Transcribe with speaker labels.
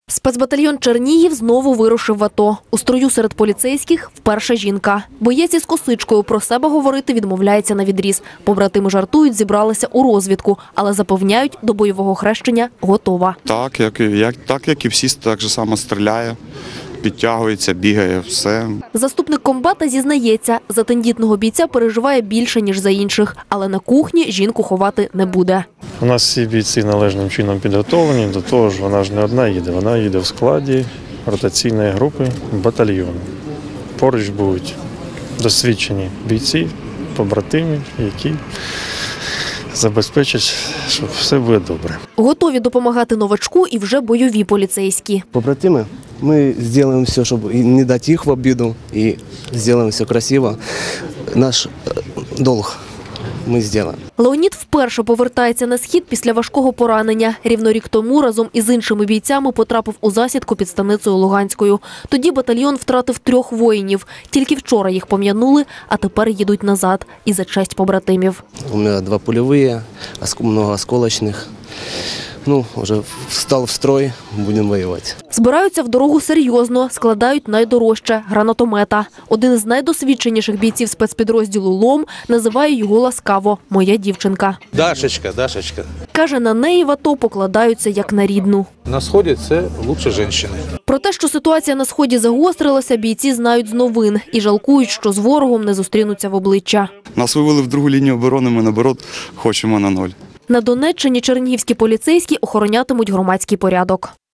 Speaker 1: Спецбатальйон Чернігів знову вирушив в АТО. У строю серед поліцейських вперше жінка. Боєць із косичкою про себе говорити відмовляється навідріз. Побратими жартують, зібралися у розвідку, але запевняють, до бойового хрещення готова.
Speaker 2: Так, як і всі, так же само стріляє, підтягується, бігає, все.
Speaker 1: Заступник комбата зізнається, за тендітного бійця переживає більше, ніж за інших. Але на кухні жінку ховати не буде.
Speaker 3: У нас всі бійці належним чином підготовлені, до того ж вона ж не одна їде, вона їде в складі ротаційної групи батальйону. Поруч будуть досвідчені бійці, побратими, які забезпечать, що все буде добре.
Speaker 1: Готові допомагати новачку і вже бойові поліцейські.
Speaker 4: Побратими, ми зробимо все, щоб не дати їх в обіду, і зробимо все красиво. Наш долг ми зробимо.
Speaker 1: Леонід вперше повертається на схід після важкого поранення. Рівно рік тому разом із іншими бійцями потрапив у засідку під станицею Луганською. Тоді батальйон втратив 3 воїнів. Тільки вчора їх пом'янули, а тепер їдуть назад. І за честь побратимів.
Speaker 4: У мене 2 польові, много осколочних. Вже встав в строй, будемо воювати.
Speaker 1: Збираються в дорогу серйозно, складають найдорожче – гранатомета. Один з найдосвідченіших бійців спецпідрозділу «Лом» називає його ласкаво «моя дівчинка».
Speaker 5: Дашечка.
Speaker 1: Каже, на неї в АТО покладаються як на рідну.
Speaker 5: На сході це лучше жінки.
Speaker 1: Про те, що ситуація на сході загострилася, бійці знають з новин і жалкують, що з ворогом не зустрінуться в обличчя.
Speaker 2: Нас вивели в другу лінію оборони, ми, наоборот, хочемо на 0.
Speaker 1: На Донеччині чернігівські поліцейські охоронятимуть громадський порядок.